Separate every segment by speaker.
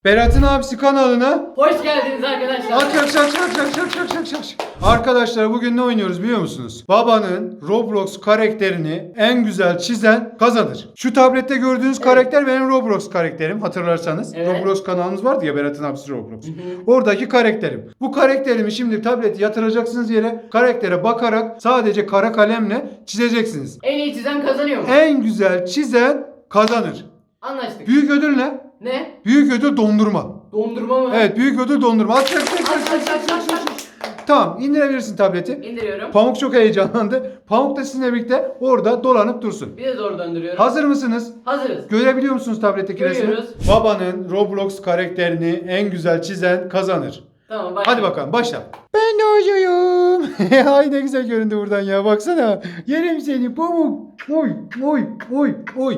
Speaker 1: Berat'ın abisi kanalına
Speaker 2: Hoş geldiniz arkadaşlar.
Speaker 1: Arkadaşlar bugün ne oynuyoruz biliyor musunuz? Babanın Roblox karakterini en güzel çizen kazanır. Şu tablette gördüğünüz karakter benim Roblox karakterim, hatırlarsanız.
Speaker 2: Evet.
Speaker 1: Roblox kanalımız vardı ya, Berat'ın abisi Roblox. Oradaki karakterim. Bu karakterimi şimdi tableti yatıracaksınız yere. Karaktere bakarak sadece kara kalemle çizeceksiniz.
Speaker 2: En iyi çizen kazanıyor mu?
Speaker 1: En güzel çizen kazanır.
Speaker 2: Anlaştık.
Speaker 1: Büyük ödül ne?
Speaker 2: Ne?
Speaker 1: Büyük ödül dondurma.
Speaker 2: Dondurma mı?
Speaker 1: Evet, büyük ödül dondurma. Aç.
Speaker 2: Aç.
Speaker 1: Tamam, indirebilirsin tableti.
Speaker 2: İndiriyorum.
Speaker 1: Pamuk çok heyecanlandı. Pamuk da sizinle birlikte orada dolanıp dursun.
Speaker 2: Bir de zor döndürüyorum.
Speaker 1: Hazır mısınız?
Speaker 2: Hazırız.
Speaker 1: Görebiliyor musunuz tabletteki resmi?
Speaker 2: Görüyoruz.
Speaker 1: Babanın Roblox karakterini en güzel çizen kazanır.
Speaker 2: Tamam bak.
Speaker 1: Hadi bakalım, başla. Ben de oyuncuyum. Ay ne güzel göründü buradan ya, baksana. Yerim seni Pamuk. Oy.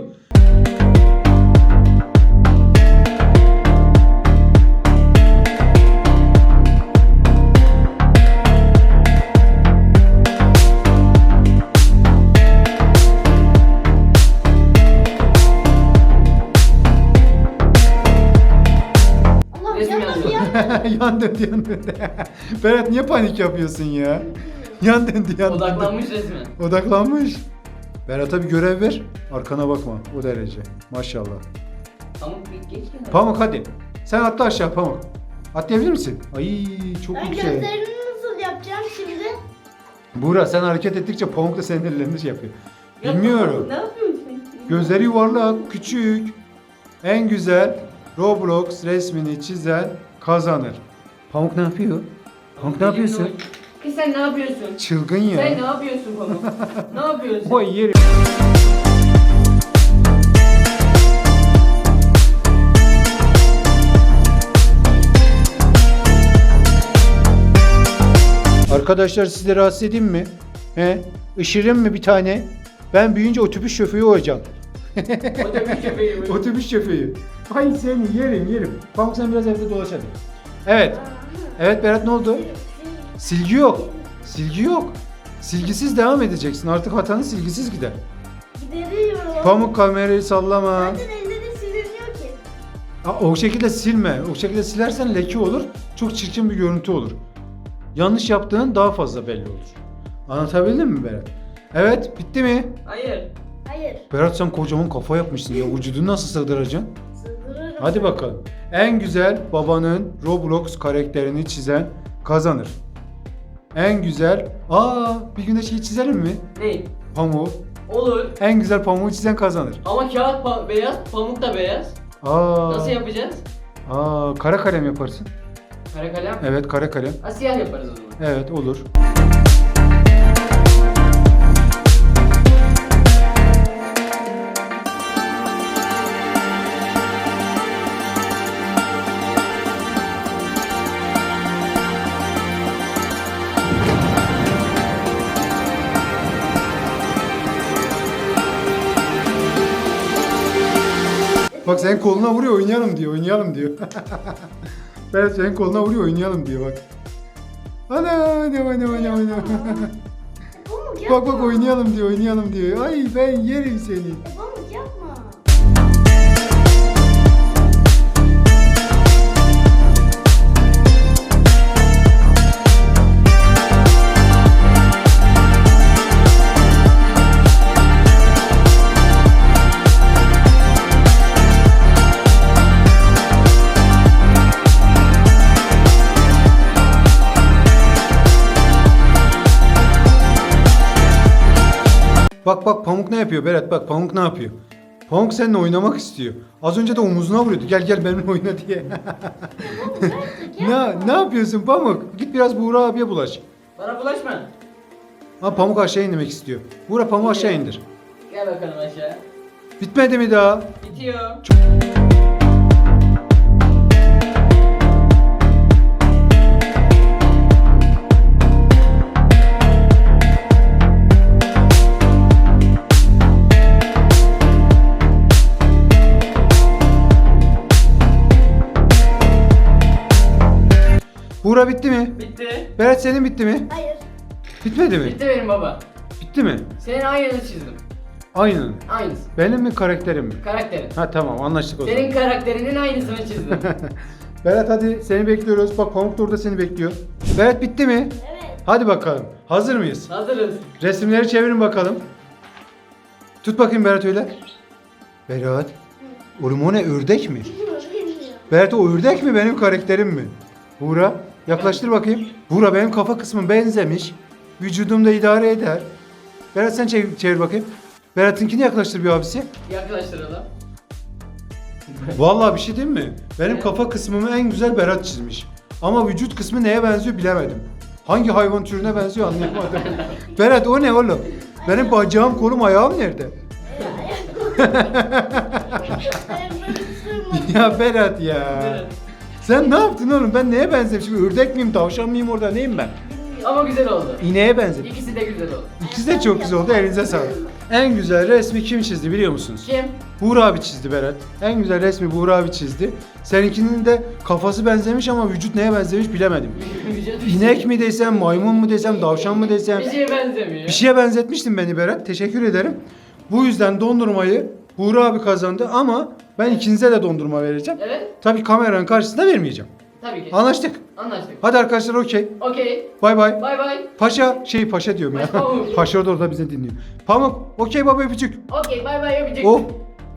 Speaker 3: Allah
Speaker 2: Resim
Speaker 3: yandı
Speaker 2: yazıyor.
Speaker 3: ya.
Speaker 1: Yan döndü. Berat niye panik yapıyorsun ya? Yan döndü.
Speaker 2: Odaklanmış resmen.
Speaker 1: Odaklanmış. Berat'a bir görev ver. Arkana bakma. O derece. Maşallah.
Speaker 2: Pamuk bir geç mi?
Speaker 1: Pamuk hadi. Sen atla aşağı Pamuk. Atlayabilir misin? Ay çok
Speaker 3: Ben
Speaker 1: yüksek.
Speaker 3: gözlerini nasıl yapacağım şimdi?
Speaker 1: Buğra sen hareket ettikçe Pamuk da senin ellerini şey yapıyor.
Speaker 2: Ya,
Speaker 1: Bilmiyorum.
Speaker 3: Ne yapıyorsun?
Speaker 1: Gözleri yuvarlak, küçük. En güzel Roblox resmini çizen kazanır. Pamuk ne yapıyor? Pamuk ne yapıyorsun?
Speaker 2: Kız sen ne yapıyorsun?
Speaker 1: Çılgın ya.
Speaker 2: Sen ne yapıyorsun Pamuk? Ne yapıyorsun?
Speaker 1: Vay yeri. Arkadaşlar sizi rahatsız edeyim mi? He? Işırayım mı bir tane? Ben büyüyünce otobüs şoförü olacağım.
Speaker 2: Otobüs köpeği mi?
Speaker 1: Otobüs şoförü. Ay seni yerim. Pamuk sen biraz evde dolaş hadi. Evet. Evet Berat ne oldu? Silgi yok. Silgisiz devam edeceksin. Artık hatanın silgisiz gider.
Speaker 3: Gideriyorum.
Speaker 1: Pamuk kamerayı sallama.
Speaker 3: Zaten elleri siliniyor ki.
Speaker 1: O şekilde silme. O şekilde silersen leke olur. Çok çirkin bir görüntü olur. Yanlış yaptığın daha fazla belli olur. Anlatabildim mi Berat? Evet, bitti mi?
Speaker 2: Hayır.
Speaker 3: Hayır.
Speaker 1: Berat sen kocaman kafa yapmışsın ya. Vücudunu nasıl sığdıracaksın?
Speaker 3: Sığdırırım.
Speaker 1: Hadi bakalım. En güzel babanın Roblox karakterini çizen kazanır. En güzel... bir gün de şeyi çizelim mi?
Speaker 2: Ne?
Speaker 1: Pamuğu.
Speaker 2: Olur.
Speaker 1: En güzel pamuğu çizen kazanır.
Speaker 2: Ama kağıt beyaz, pamuk da beyaz. Nasıl yapacağız?
Speaker 1: Kara kalem yaparsın.
Speaker 2: Kara kalem.
Speaker 1: Evet, kara kalem.
Speaker 2: Siyah yaparız o zaman.
Speaker 1: Evet, olur. Bak senin koluna vuruyor, oynayalım diyor. Berat senin koluna vuruyor, oynayalım diyor bak. Ana.
Speaker 3: Pamuk yapma.
Speaker 1: Bak oynayalım diyor. Ay ben yerim seni.
Speaker 3: Pamuk yapma.
Speaker 1: Bak Pamuk ne yapıyor Berat, bak Pamuk ne yapıyor. Pamuk seninle oynamak istiyor. Az önce de omuzuna vuruyordu. Gel benimle oyna diye.
Speaker 3: Pamuk artık yapma.
Speaker 1: ne yapıyorsun Pamuk? Git biraz Buğra abiye bulaş.
Speaker 2: Bana bulaşma.
Speaker 1: Pamuk aşağı inmek istiyor. Buğra Pamuk aşağı indir.
Speaker 2: Gel bakalım aşağı.
Speaker 1: Bitmedi mi daha?
Speaker 2: Bitiyor.
Speaker 1: Buğra bitti mi?
Speaker 2: Bitti.
Speaker 1: Berat senin bitti mi?
Speaker 3: Hayır.
Speaker 1: Bitmedi mi?
Speaker 2: Bitti benim baba.
Speaker 1: Bitti mi?
Speaker 2: Senin aynını çizdim.
Speaker 1: Aynen.
Speaker 2: Aynısı.
Speaker 1: Benim mi karakterim mi?
Speaker 2: Karakterin.
Speaker 1: Ha tamam anlaştık o zaman.
Speaker 2: Senin karakterinin aynısını çizdim.
Speaker 1: Berat hadi seni bekliyoruz. Bak Pamuk da orada seni bekliyor. Berat bitti mi?
Speaker 3: Evet.
Speaker 1: Hadi bakalım. Hazır mıyız?
Speaker 2: Hazırız.
Speaker 1: Resimleri çevirin bakalım. Tut bakayım Berat öyle. Berat. Oğlum o ne ördek mi?
Speaker 3: Bilmiyorum.
Speaker 1: Berat o ördek mi benim karakterim mi? Buğra yaklaştır bakayım. Buğra benim kafa kısmım benzemiş. Vücudumda idare eder. Berat sen çevir bakayım. Berat'ınkini yaklaştır bir abisi.
Speaker 2: Yaklaştıralım.
Speaker 1: Vallahi bir şey diyeyim mi? Benim kafa kısmımı en güzel Berat çizmiş. Ama vücut kısmı neye benziyor bilemedim. Hangi hayvan türüne benziyor anlayamadım. Berat o ne oğlum? Benim bacağım, kolum, ayağım nerede? Ya Berat ya.
Speaker 2: Evet.
Speaker 1: Sen ne yaptın oğlum? Ben neye benzemişim? Ördek miyim, tavşan mıyım orada? Neyim ben?
Speaker 2: Ama güzel oldu.
Speaker 1: İneğe benzedim.
Speaker 2: İkisi de güzel oldu.
Speaker 1: İkisi de çok güzel oldu. Elinize sağlık. En güzel resmi kim çizdi biliyor musunuz?
Speaker 2: Kim?
Speaker 1: Buğra abi çizdi Berat. En güzel resmi Buğra abi çizdi. Seninkinin de kafası benzemiş ama vücut neye benzemiş bilemedim. İnek mi desem, maymun mu desem, tavşan mı desem.
Speaker 2: Bir şeye benzemiyor.
Speaker 1: Bir şeye benzetmiştin beni Berat. Teşekkür ederim. Bu yüzden dondurmayı Buğra abi kazandı ama ben ikinize de dondurma vereceğim.
Speaker 2: Evet.
Speaker 1: Tabii kameranın karşısında vermeyeceğim.
Speaker 2: Tabii ki.
Speaker 1: Anlaştık.
Speaker 2: Anlaştık.
Speaker 1: Hadi arkadaşlar okey.
Speaker 2: Okey.
Speaker 1: Bay bay.
Speaker 2: Bay bay.
Speaker 1: Paşa diyorum ya.
Speaker 2: Pamuk.
Speaker 1: Paşa da orada bizi dinliyor. Pamuk okey baba öpücük.
Speaker 2: Okey bay bay öpücük.
Speaker 1: Oh